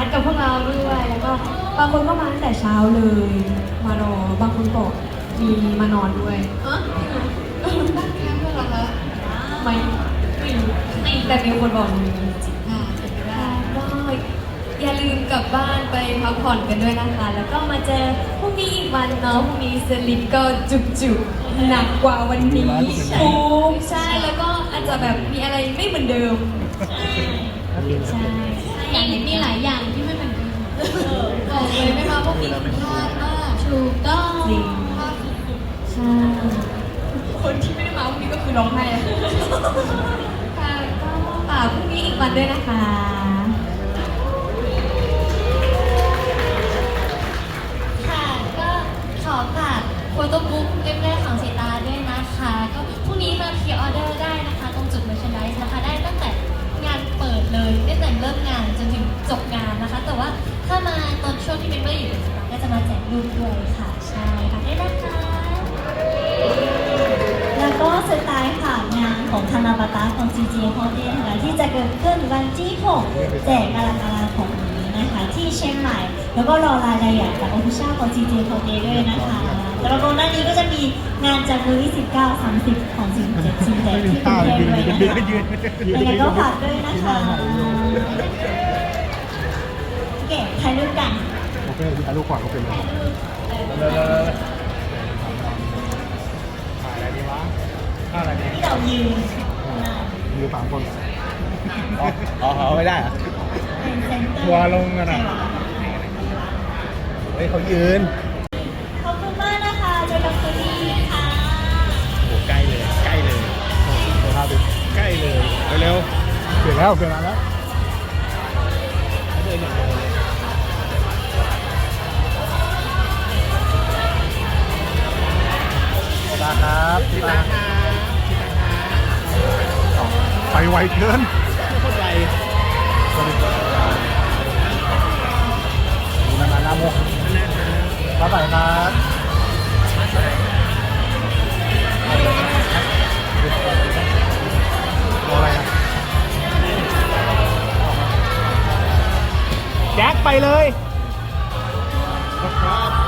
ดกับพวกเราด้วยแล้วก็บางคนก็มาตั้งแต่เช้าเลยมารอบางคนก็มีมานอนด้วยบ้านแคมป์เหรอคะไม่รู้แต่มีคนบอกมีเป็นไปได้ก็อย่าลืมกลับบ้านไปพักผ่อนกันด้วยนะคะ แล้วก็มาเจอพรุ่งนี้อีกวันเนาะพรุ่งนี้สลิปก็จุกๆหนักกว่าวันนี้ถูกใช่แล้วก็อาจจะแบบมีอะไรไม่เหมือนเดิมใช่มีหลายอย่างที่ไม่เหมือนกันบอกเลยไม่มาพวกนี้พลาดมากถูกต้องจริงพลาดสุดใช่คนที่ไม่ได้มาพรุ่งนี้ก็คือร้องไห้อะค่ะก็ฝากพรุ่งนี้อีกวันด้วยนะคะค่ะก็ขอฝากโฟโต้บุ๊กเล่มแรกของสีตาด้วยนะคะก็พรุ่งนี้มาพรีออเดอร์ได้นะคะตรงจุดเมอร์แชนไดส์นะคะได้ตั้งแต่งานเปิดเลยตั้งแต่เริ่มงานจนถึงจบงานนะคะ แต่ว่าถ้ามาตอนช่วงที่เมมเบอร์อยู่ในสตาร์ก็จะมาแจกรูปด้วยค่ะใช่ค่ะได้นะคะแล้วก็สุดท้ายค่ะงานของธนาบาตาของ GG Holiday นะคะที่จะเกิดขึ้นวันที่ 6 แจกกรกฎาคมนี้นะคะที่เชียงใหม่ แล้วก็รอรายละเอียดจาก Official ของ GG Holiday ด้วยนะคะแล้วก็หน้านี้ก็จะมีงานจากมือที่19 30 ของ17ชิงแจกที่กรุงเทพด้วยนะคะยังไงก็ฝากด้วยนะคะโอเคถ่ายรูปกันโอเคถ่ายรูปก่อนก็เป็นเลยถ่ายอะไรดีวะท่าอะไรดีที่เรายืนมีสามคนอ๋อไม่ได้เหรอเป็นเซนเตอร์ทัวร์ลงกันนะเฮ้ยเขายืนขอบคุณมากนะคะเจอกันคืนนี้ค่ะโอ้ใกล้เลยใกล้เลยเดี๋ยวพาไปใกล้เลยเร็วเปลี่ยนแล้วเปลี่ยนแล้วๆเดินอย่างเดียวเลยตาครับตาไปไวเกินโคตรไวนานานาโมครับไปครับรออะไรอ่ะแจ็คไปเลยครับ